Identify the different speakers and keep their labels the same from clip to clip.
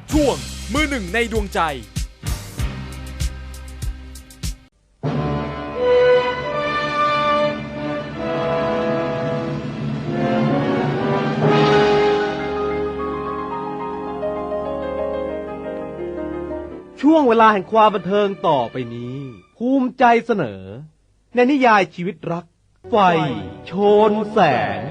Speaker 1: ช่วงมือหนึ่งในดวงใจ
Speaker 2: ช่วงเวลาแห่งความบันเทิงต่อไปนี้ภูมิใจเสนอในนิยายชีวิตรักไฟโชนแสง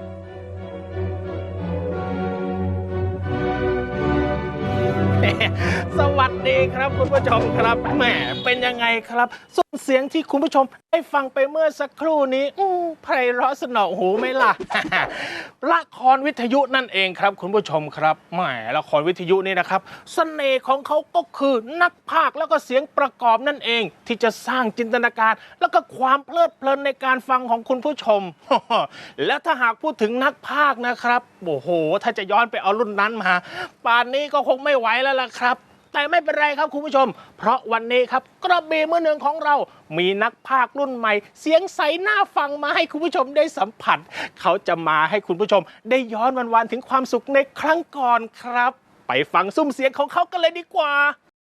Speaker 3: สวัสดีครับคุณผู้ชมครับแหมเป็นยังไงครับส่วนเสียงที่คุณผู้ชมได้ฟังไปเมื่อสักครู่นี้ไพเราะสนอหูไหมล่ะ ละครวิทยุนั่นเองครับคุณผู้ชมครับแหมละครวิทยุนี่นะครับเสน่ห์ของเขาก็คือนักพากย์แล้วก็เสียงประกอบนั่นเองที่จะสร้างจินตนาการแล้วก็ความเพลิดเพลินในการฟังของคุณผู้ชม แล้วถ้าหากพูดถึงนักพากย์นะครับโอ้โหถ้าจะย้อนไปเอารุ่นนั้นมาป่านนี้ก็คงไม่ไหวแล้วล่ะครับแต่ไม่เป็นไรครับคุณผู้ชมเพราะวันนี้ครับกระบี่มือหนึ่งของเรามีนักพากย์รุ่นใหม่เสียงใสน่าฟังมาให้คุณผู้ชมได้สัมผัสเขาจะมาให้คุณผู้ชมได้ย้อนวันๆถึงความสุขในครั้งก่อนครับไปฟังซุ้มเสียงของเขากันเลยดีกว่า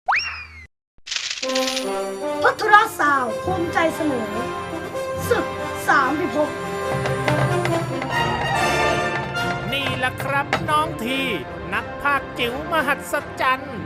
Speaker 4: พัทรสาวภูมิใจเสนอศึกสามพิภพ
Speaker 3: นี่แหละครับน้องทีนักพากย์จิ๋วมหัศจรรย์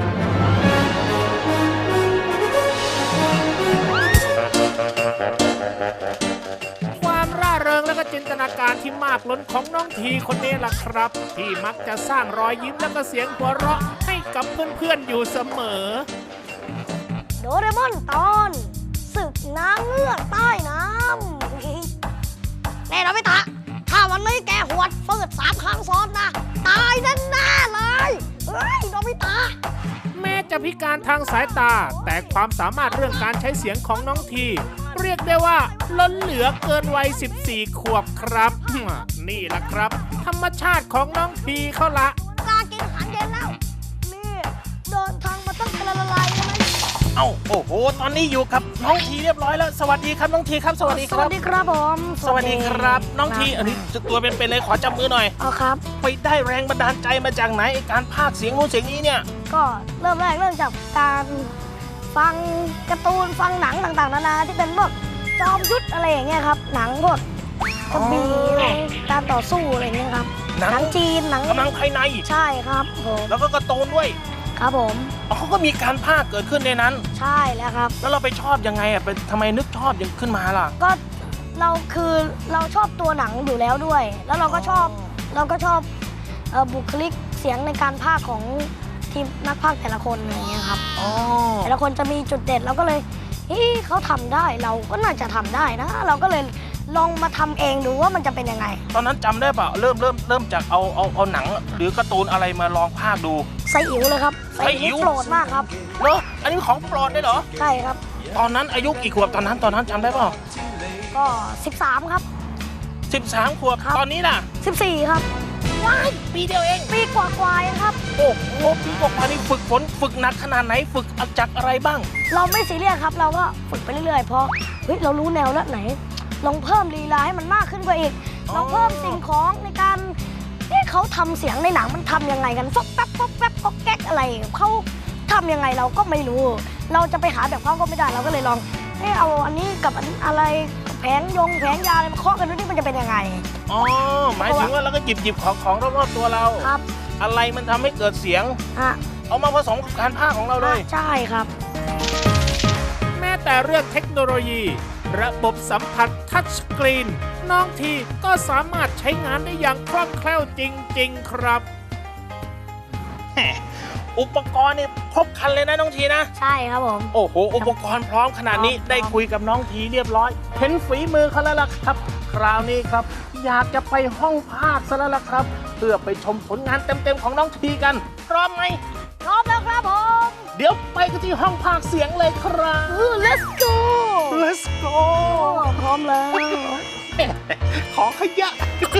Speaker 3: ความร่าเริงและก็จินตนาการที่มากล้นของน้องทีคนนี้ล่ะครับที่มักจะสร้างรอยยิ้มและก็เสียงหัวเราะให้กับเพื่อนๆอยู่เสมอ
Speaker 4: โดเรมอนตอนศึกนางเงือกใต้น้ำแน่นอนไม่ตะถ้าวันนี้แกหวดฟืด3 ครั้งซ้อนนะตายแน่ๆเลยเฮ้ยโนบิตะ
Speaker 3: แม้จะพิการทางสายตาแต่ความสามารถเรื่องการใช้เสียงของน้องทีเรียกได้ว่าล้นเหลือเกินวัย14 ขวบครับนี่ล่ะครับธรรมชาติของน้องทีเขาละ
Speaker 4: กากินอาหารเย็นแล้วนี่เดินทางมาตั้งแต่ละลายใช่ไหม
Speaker 3: โอ้โหตอนนี้อยู่กับน้องทีเรียบร้อยแล้วสวัสดีครับน้องทีครับสวัสดีครับ
Speaker 4: สวัสดีครับผม
Speaker 3: สวัสดีครับน้องทีอันนี้ตัวเป็นเลยขอจับมือหน่อย
Speaker 4: ครับ
Speaker 3: ไปได้แรงบันดาลใจมาจากไหนการพากย์เสียงนู้นเสียงนี้เนี่ย
Speaker 4: ก็เริ่มจากการฟังการ์ตูนฟังหนังต่างๆนานาที่เป็นพวกจอมยุทธอะไรอย่างเงี้ยครับหนังพวกกระบี่การต่อสู้อะไรอย่างเงี้ยครับหนังจีนหนัง
Speaker 3: กำลังภายใน
Speaker 4: ใช่ครับผม
Speaker 3: แล้วก็การ์ตูนด้วย
Speaker 4: ครับผม
Speaker 3: เขาก็มีการพากย์เกิดขึ้นในนั้น
Speaker 4: ใช่แล้วครับ
Speaker 3: แล้วเราไปชอบยังไงไปทำไมนึกชอบยังขึ้นมาล่ะ
Speaker 4: ก็เราชอบตัวหนังอยู่แล้วด้วยแล้วเราก็ชอบบุคลิกเสียงในการพากย์ของทีมนักพากย์แต่ละคนอย่างเงี้ยครับแต่ละคนจะมีจุดเด่นเราก็เลยเขาทำได้เราก็น่าจะทำได้นะเราก็เลยลองมาทำเองดูว่ามันจะเป็นยังไง
Speaker 3: ตอนนั้นจำได้ป่ะเริ่มจากเอาหนังหรือการ์ตูนอะไรมาลองพากย์ดู
Speaker 4: ไซอิ๋วเลยครับไซอิ๋วโปรดมากครับ
Speaker 3: เหรออันนี้ของโปรดได้เหรอ
Speaker 4: ใช่ครับ
Speaker 3: ตอนนั้นอายุกี่ขวบตอนนั้นจำได้ป่ะ
Speaker 4: ก็13ครับ
Speaker 3: 13 ขวบตอนนี้ล่ะ
Speaker 4: 14ครับ
Speaker 3: ว้ายปีเดียวเอง
Speaker 4: ปีกว่าๆเองครับ
Speaker 3: โอ้โหปีกว่านี่ฝึกหนักขนาดไหนฝึกจากอะไรบ้าง
Speaker 4: เราไม่ซีเรียสครับเราก็ฝึกไปเรื่อยๆพอเรารู้แนวแล้วไหนลองเพิ่มลีลาให้มันมากขึ้นกว่าอีกลองเพิ่มสิ่งของในการที่เขาทำเสียงในหนังมันทำยังไงกันฟอกแป๊บฟอกแป๊บฟอกแก๊กอะไรเขาทำยังไงเราก็ไม่รู้เราจะไปหาแบบเขาก็ไม่ได้เราก็เลยลองเอาอันนี้กับอะไรแผงยาอะไรมาเคาะกันดูนี่มันจะเป็นยังไง
Speaker 3: หมายถึงว่าเราก็หยิบของรอบๆตัวเรา
Speaker 4: ครับ
Speaker 3: อะไรมันทำให้เกิดเสียงเอามาผสมกับการพากย์ของเราเลย
Speaker 4: ใช่ครับ
Speaker 3: แม้แต่เรื่องเทคโนโลยีระบบสัมผัสทัชสกรีนน้องทีก็สามารถใช้งานได้อย่างคล่องแคล่วจริงๆครับอุปกรณ์นี่ครบครันเลยนะน้องทีนะ
Speaker 4: ใช่ครับผม
Speaker 3: โอ้โหอุปกรณ์พร้อมขนาดนี้ได้คุยกับน้องทีเรียบร้อยเห็นฝีมือเขาแล้วล่ะครับคราวนี้ครับอยากจะไปห้องพากย์ซะแล้วล่ะครับเพื่อไปชมผลงานเต็มๆของน้องทีกันพร้อมไหม
Speaker 4: พร้อมแล้วครับผม
Speaker 3: เดี๋ยวไปกันที่ห้องพากย์เสียงเลยครับ
Speaker 4: let's go พร้อมแล้ว
Speaker 3: ขอขยะ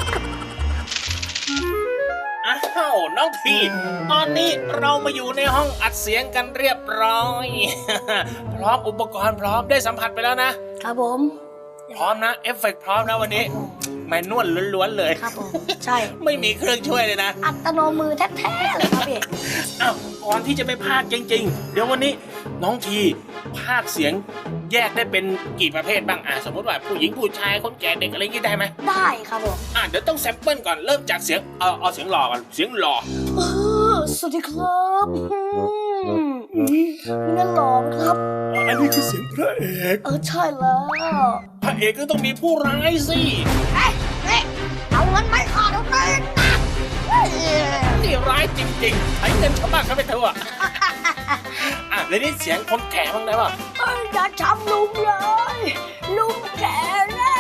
Speaker 3: อ้าวน้องทีตอนนี้เรามาอยู่ในห้องอัดเสียงกันเรียบร้อยพร้อมอุปกรณ์พร้อมได้สัมผัสไปแล้วนะครับ
Speaker 4: ผม
Speaker 3: พร้อมนะเอฟเฟกต์พร้อมนะวันนี้แมนนวลล้วนๆเลย
Speaker 4: ครับผมใช่
Speaker 3: ไม่มีเครื่องช่วยเลยนะ
Speaker 4: อัตโนมือแท้ๆเลยครับพี่
Speaker 3: อ้าวก่อนที่จะไปพากย์จริงๆเดี๋ยววันนี้น้องทีพากย์เสียงแยกได้เป็นกี่ประเภทบ้างสมมติว่าผู้หญิงผู้ชายคนแก่เด็กอะไรอย่างงี้ได้ไหม
Speaker 4: ได้ครับผม
Speaker 3: เดี๋ยวต้องแซมเปิลก่อนเริ่มจากเสียงเอาเสียงหล่อก่อนเสียงหล่อ
Speaker 4: สวัสดีครับนี่นั่นหล่อไหมครับ
Speaker 3: อันนี้คือเสียงพระเอก
Speaker 4: ใช่แล้ว
Speaker 3: พระเอกก็ต้องมีผู้ร้ายสิ
Speaker 4: เอ๊ะเอาเงินไม่ขาดเอาเงินนะ
Speaker 3: นี่ร้ายจริงๆใช้เงินชาวบ้านเขาไปเถอะแล้วนี่เสียงคนแก่บ้างได้ป่ะ
Speaker 4: อย่าทำลุงเลยลุงแก่แล้ว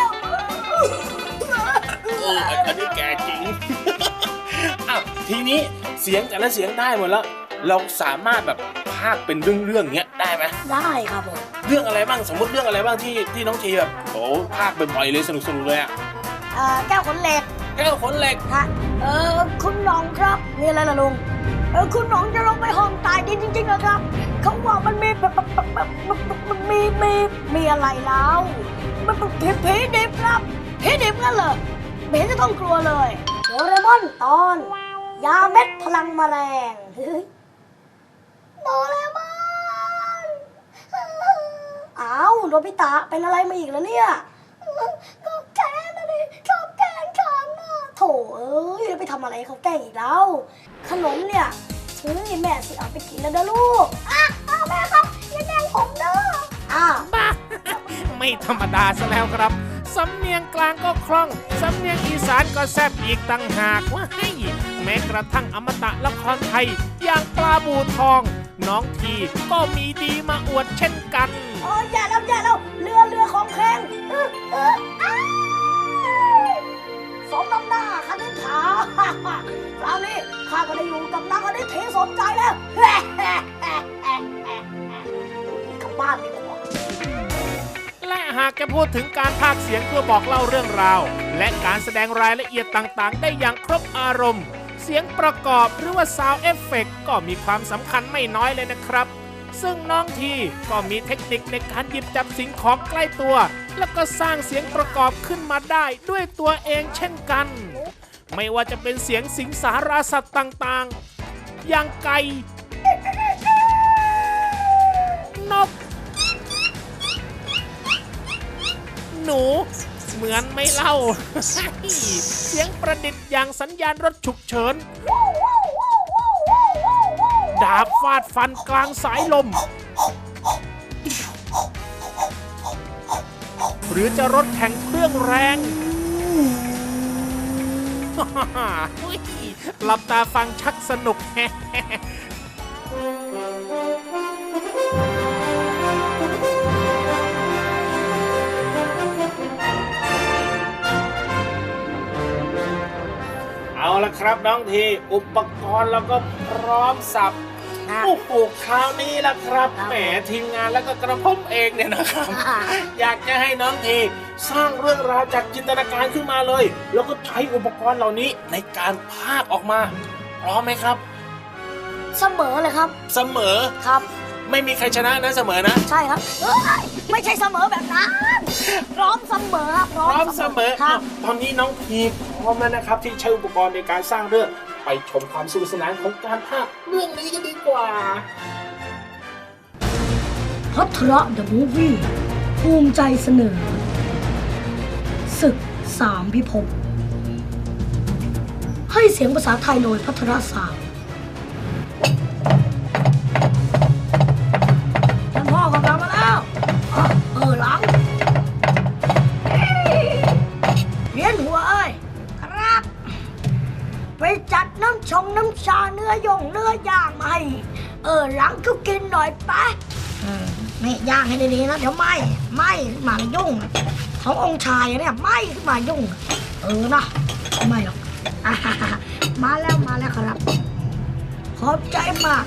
Speaker 3: อันนี้แก่จริง ทีนี้เสียงแต่ละเสียงได้หมดแล้ว เราสามารถแบบพากย์เป็นเรื่องๆเงี้ยได้ไหม
Speaker 4: ได้ครับผม
Speaker 3: เรื่องอะไรบ้างสมมติเรื่องอะไรบ้างที่น้องทีแบบโอ้พากย์บ่อยๆเลยสนุกๆเลย
Speaker 4: แก้วขนเหล็ก
Speaker 3: แก้วขนเหล็ก
Speaker 4: ฮะคุณหน้องครับมีอะไรล่ะลุงคุณหน้องจะลงไปห้องใต้ดินจริงๆเหรอครับเขาบอกมันมีมันมีอะไรแล้วมันผีดิบครับผีดิบงั้นเหรอไม่เห็นจะต้องกลัวเลยโดเรมอนตอนยาเม็ดพลังแมลงโดเรมอนอ้าวโนบิตะเป็นอะไรมาอีกแล้วเนี่ยก็แกล้งนะดิชอบแกล้งฉันนะโถเอ้ยไปทำอะไรเขาแกล้งอีกแล้วขนมเนี่ยแม่สิเอาไปกินแล้วนะลูกแม่ครับอย่าแกล้งผมเด้อ
Speaker 5: บ้า ไม่ธรรมดาซะแล้วครับสำเนียงกลางก็คล่องสำเนียงอีสานก็แซ่บอีกต่างหากว่าให้แม้กระทั่งอมตะละครไทยอย่างปลาบูทองน้องทีก็มีดีมาอวดเช่นกัน
Speaker 4: อย่าแล้วเรือของแข็งสมน้ำหน้าคณิษฐาคราวนี้ข้าก็ได้อยู่กับนางคณิษฐีสมใจแล้วกลับบ้านดีกว่า
Speaker 5: และหากจะพูดถึงการพากย์เสียงเพื่อบอกเล่าเรื่องราวและการแสดงรายละเอียดต่างๆได้อย่างครบอารมณ์เสียงประกอบหรือว่า Sound Effect ก็มีความสำคัญไม่น้อยเลยนะครับซึ่งน้องทีก็มีเทคนิคในการหยิบจับสิ่งของใกล้ตัวแล้วก็สร้างเสียงประกอบขึ้นมาได้ด้วยตัวเองเช่นกันไม่ว่าจะเป็นเสียงสิงสาราสัตว์ต่างๆอย่างไก่นกหนูเหมือนไม่เล่า เสียงประดิษฐ์อย่างสัญญาณรถฉุกเฉินดาบฟาดฟันกลางสายลมหรือจะรถแข่งเครื่องแรง หลับตาฟังชักสนุก
Speaker 3: เอาละครับน้องทีอุปกรณ์แล้วก็พร้อมสับโอ้โหคราวนี้ละครับแหมทีมงานแล้วก็กระผมเองเนี่ยนะครับ อยากจะให้น้องทีสร้างเรื่องราวจากจินตนาการขึ้นมาเลยแล้วก็ใช้อุปกรณ์เหล่านี้ในการพากย์ออกมาพร้อมไหมครับ
Speaker 4: เสมอเลยครับ
Speaker 3: เสมอ
Speaker 4: ครับ
Speaker 3: ไม่มีใครชนะนะเสมอนะ
Speaker 4: ใช่ครับไม่ใช่เสมอแบบนั้นพร้อมเสมอ
Speaker 3: พร้อมเสมอครับตอนนี้น้องทีพร้อมแล้วนะครับที่ใช้อุปกรณ์ในการสร้างเรื่องไปชมความสนุกสนานของการพากย์เรื่องนี้กันดีกว่า
Speaker 4: ภัทรเดอะมูฟวี่ภูมิใจเสนอศึกสามพิภพให้เสียงภาษาไทยโดยภัทรสามท่านพ่อกำลังมาแล้วหลังเรียนหัวเอ้ยครับไปจัดน้ำชาเนื้อย่างมาให้หลังก็กินหน่อยไปไม่ย่างให้ดีๆนะเดี๋ยวไหม้มายุ่งขององค์ชายเนี่ยไหม้ขึ้นมายุ่งนะไม่หรอกมาแล้วครับขอบใจมาก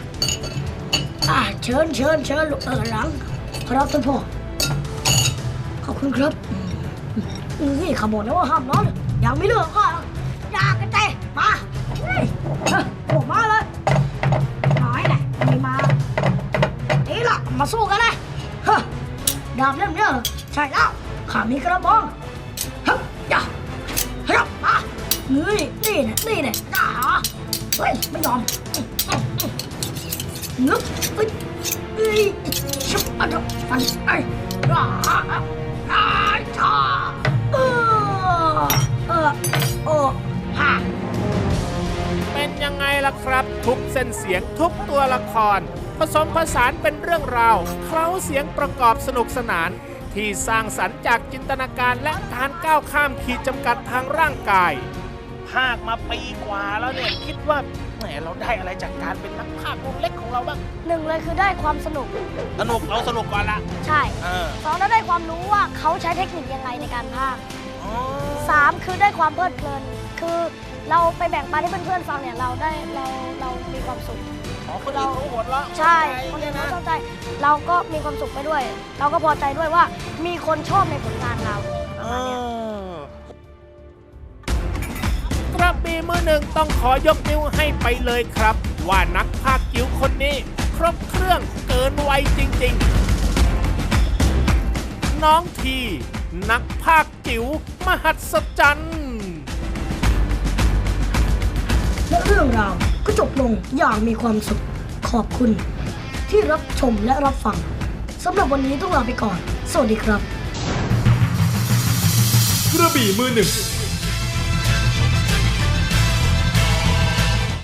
Speaker 4: เชิญลูกหลังครับท่านพ่อขอบคุณครับนี่ขบวนแล้วว่าห้ามนอนอย่างไม่เลือกก็อยากกันใจมามาเลยน้อยแหละไม่มานี่ล่ะมาสู้กันเลยดาบเล่มเนี่ยใช่แล้วข้ามีกระบองอย่ามานี่เนี่ยเฮ้ยไม่ยอมนึกเอ้ยเอ้ยชุบอะดอกฟันไอ้ร้าชาโอ้ฮะ
Speaker 5: เป็นยังไงล่ะครับ ทุกเส้นเสียงทุกตัวละคร ผสมผสานเป็นเรื่องราวเคล้าเสียงประกอบสนุกสนาน ที่สร้างสรรค์จากจินตนาการและการก้าวข้ามขีดจำกัดทางร่างกาย
Speaker 3: ภาคมาปีกว่าแล้วเนี่ยคิดว่าแหมเราได้อะไรจากการเป็นนักภาควงเล็กของเราบ้าง
Speaker 4: หนึ่งเลยคือได้ความสนุก
Speaker 3: สนุกเราสนุกก่อนละ
Speaker 4: ใช่
Speaker 3: เออ
Speaker 4: สองแล้วได้ความรู้ว่าเขาใช้เทคนิคยังไงในการพากย์
Speaker 3: อ๋อ
Speaker 4: สามคือได้ความเพลิดเพลิน คือเราไปแบ่งปันให้เพื่อนๆฟังเนี่ยเรามีความสุข
Speaker 3: อ๋อคนอื่นเขาหัวเราะ
Speaker 4: ใช่คน
Speaker 3: เนี่
Speaker 4: อื่
Speaker 3: ย
Speaker 4: น
Speaker 3: นะ
Speaker 4: เขาเข้าใจเราก็มีความสุขไปด้วย เราก็พอใจด้วยว่ามีคนชอบในผลงานเราประมาณเนี้ย
Speaker 5: กระบี่มือหนึ่งต้องขอยกนิ้วให้ไปเลยครับ ว่านักพากย์จิ๋วคนนี้ ครบเครื่องเกินวัยจริงๆ น้องทีนักพากย์จิ๋วมหัศจรรย์
Speaker 6: และเรื่องราวก็จบลงอย่างมีความสุข ขอบคุณที่รับชมและรับฟังสำหรับวันนี้ต้องลาไปก่อน สวัสดีครับ
Speaker 1: กระบี่มือหนึ่ง